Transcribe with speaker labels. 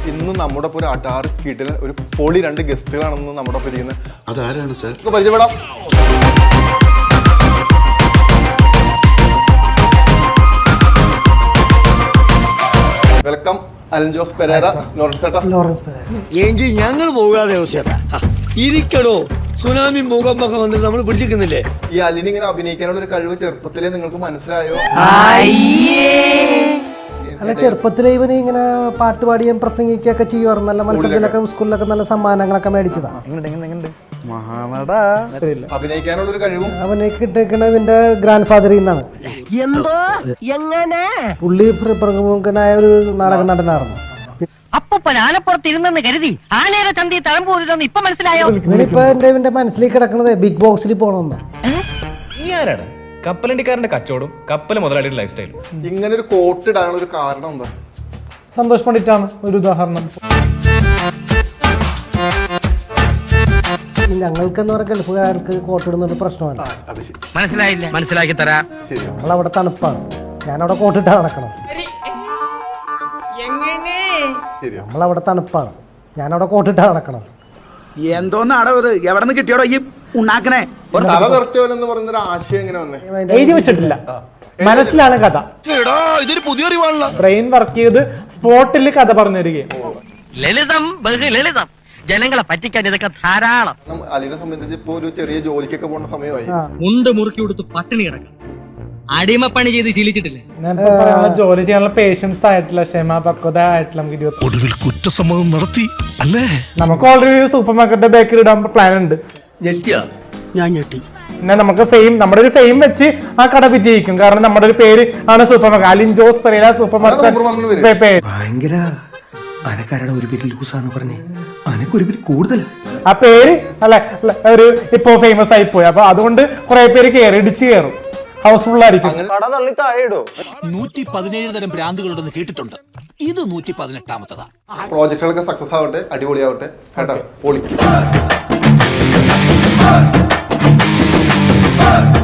Speaker 1: ഇന്ന് നമ്മുടെ ഒരു അടാറ് കിടിലൻ ഒരു പൊളി 2 ഗസ്റ്റുകളാണെന്ന് നമ്മുടെ ഇരിക്കുന്നത്.
Speaker 2: അതാരാണ് സാർ?
Speaker 1: പരിചയപ്പെടാം. വെൽക്കം അലൻ ജോസ് പെരേര, ലോറൻസ് ചേട്ടാ.
Speaker 3: എങ്കിൽ ഞങ്ങൾ പോകാതെ ഇരിക്കടോ. സുനാമി മുഖം വന്നിട്ട് നമ്മൾ പിടിച്ചിരിക്കുന്നില്ലേ?
Speaker 1: ഈ അലിന് ഇങ്ങനെ അഭിനയിക്കാനുള്ള ഒരു കഴിവ് ചെറുപ്പത്തിലേ നിങ്ങൾക്ക് മനസ്സിലായോ?
Speaker 4: അല്ല, ചെറുപ്പത്തിലെ ഇവന് ഇങ്ങനെ പാട്ട് പാടിയും പ്രസംഗിക്കുകയൊക്കെ ചെയ്യുമായിരുന്നു. നല്ല മത്സരത്തിലൊക്കെ സ്കൂളിലൊക്കെ നല്ല സമ്മാനങ്ങളൊക്കെ മേടിച്ചതാ.
Speaker 1: അഭിനയിക്കാനുള്ള ഒരു കഴിവും
Speaker 4: അവനെ കിട്ടിയിരിക്കുന്നത് ഇവന്റെ ഗ്രാൻഡ് ഫാദറിൽ നിന്നാണ്.
Speaker 5: എന്തോ എങ്ങനെ
Speaker 4: പുള്ളി പ്രമുഖനായ ഒരു നാടക നടനായിരുന്നു.
Speaker 5: അപ്പൂപ്പൻ ആനപ്പുറത്ത് ഇരുന്നെന്ന് കരുതി ആനയുടെ ചന്തി തഴമ്പൂരിലൊന്ന് ഇപ്പൊ മനസ്സിലായോ?
Speaker 4: ഇവനിപ്പോ ഇവന്റെ മനസ്സിലേക്ക് കിടക്കണത് ബിഗ് ബോക്സിൽ പോകണമെന്ന്.
Speaker 6: നീ ആരാണ്? കപ്പലണ്ടിക്കാരന്റെ കച്ചവടം, കപ്പൽ മുതലാളിയുടെ ലൈഫ് സ്റ്റൈലും.
Speaker 1: ഇങ്ങനെ ഒരു കോട്ട് ഇടാനുള്ള ഒരു കാരണം എന്താ?
Speaker 7: സന്തോഷ് പണ്ഡിറ്റാണ് ഒരു ഉദാഹരണം.
Speaker 4: ഞങ്ങൾക്കെന്ന് പറഞ്ഞ ഗൾഫുകാർക്ക് കോട്ടിടുന്നൊരു പ്രശ്നമല്ല.
Speaker 5: മനസ്സിലായില്ല, മനസ്സിലാക്കി തരാം.
Speaker 4: ഞങ്ങളവിടെ തണുപ്പാണ്, ഞാനവിടെ കോട്ടിട്ടാ നടക്കണം. നമ്മളവിടെ തണുപ്പാണ്, ഞാനവിടെ കോട്ടിട്ടാ നടക്കണം.
Speaker 3: എന്തോന്നാടോ ഇത്? എവിടെ നിന്ന് കിട്ടിയോടോ ഈ ഉണ്ടാക്കണേ?
Speaker 1: തല തെറിച്ചവനെന്ന് പറയുന്നൊരു ആശയം എങ്ങനെ വന്നേ?
Speaker 7: എഴുതി വെച്ചിട്ടില്ല, മനസ്സിലാണ് കഥ.
Speaker 3: ഇതൊരു പുതിയ അറിവാണല്ലോ.
Speaker 7: ബ്രെയിൻ വർക്ക് ചെയ്ത് സ്പോട്ടിൽ കഥ പറഞ്ഞു തരികയും.
Speaker 5: ലളിതം, ബഹുലളിതം. ജനങ്ങളെ പറ്റിക്കാൻ ഇതൊക്കെ ധാരാളം.
Speaker 1: അലിനെ സംബന്ധിച്ച് ഇപ്പൊ ഒരു ചെറിയ ജോലിക്കൊക്കെ പോകുന്ന സമയമായി.
Speaker 8: മുണ്ട് മുറുക്കി കൊടുത്ത് പട്ടിണി കിടക്കണം. അടിമപ്പണി ചെയ്ത് ശീലിച്ചിട്ടില്ലേ?
Speaker 7: ഞാനിപ്പോ പറയാനുള്ള ജോലി ചെയ്യാനുള്ള പേഷ്യൻസ് ആയിട്ടില്ല, ക്ഷമ പക്വത ആയിട്ടില്ല. നമുക്ക്
Speaker 2: ഒടുവിൽ കുറ്റസമ്മതം നടത്തി അല്ലേ?
Speaker 7: നമുക്ക് ഓൾറെഡി സൂപ്പർ മാർക്കറ്റ് ബേക്കറി ഇടാൻ പ്ലാൻ ഉണ്ട്.
Speaker 3: ഞാൻ ഞെട്ടി.
Speaker 7: പിന്നെ നമുക്ക് ഫെയിം, നമ്മുടെ ഒരു ഫെയിം വെച്ച് ആ കട വിജയിക്കും. കാരണം നമ്മുടെ ഒരു പേര് ആണ് supermarket, Alin Jose Pereira supermarket പേര്.
Speaker 9: ഭയങ്കര അനക്കാരുടെ ഒരു പേര് ലൂസാന്ന് പറഞ്ഞേ, അനക്കൊരു പേര് കൂടുതൽ.
Speaker 7: ആ പേര് അല്ലെ ഒരു ഇപ്പോ ഫേമസ് ആയി പോയി. അപ്പൊ അതുകൊണ്ട് കുറെ പേര് ഇടിച്ചു കയറും, ഹൗസ്ഫുൾ ആയിരിക്കും.
Speaker 3: 117 തരം ഭ്രാന്തുകളുണ്ടെന്ന് കേട്ടിട്ടുണ്ട്. ഇത് 118ാമത്തതാ.
Speaker 1: പ്രോജക്റ്റുകളൊക്കെ സക്സസ് ആവട്ടെ, അടിപൊളിയാവട്ടെ കേട്ടോ. പൊളി.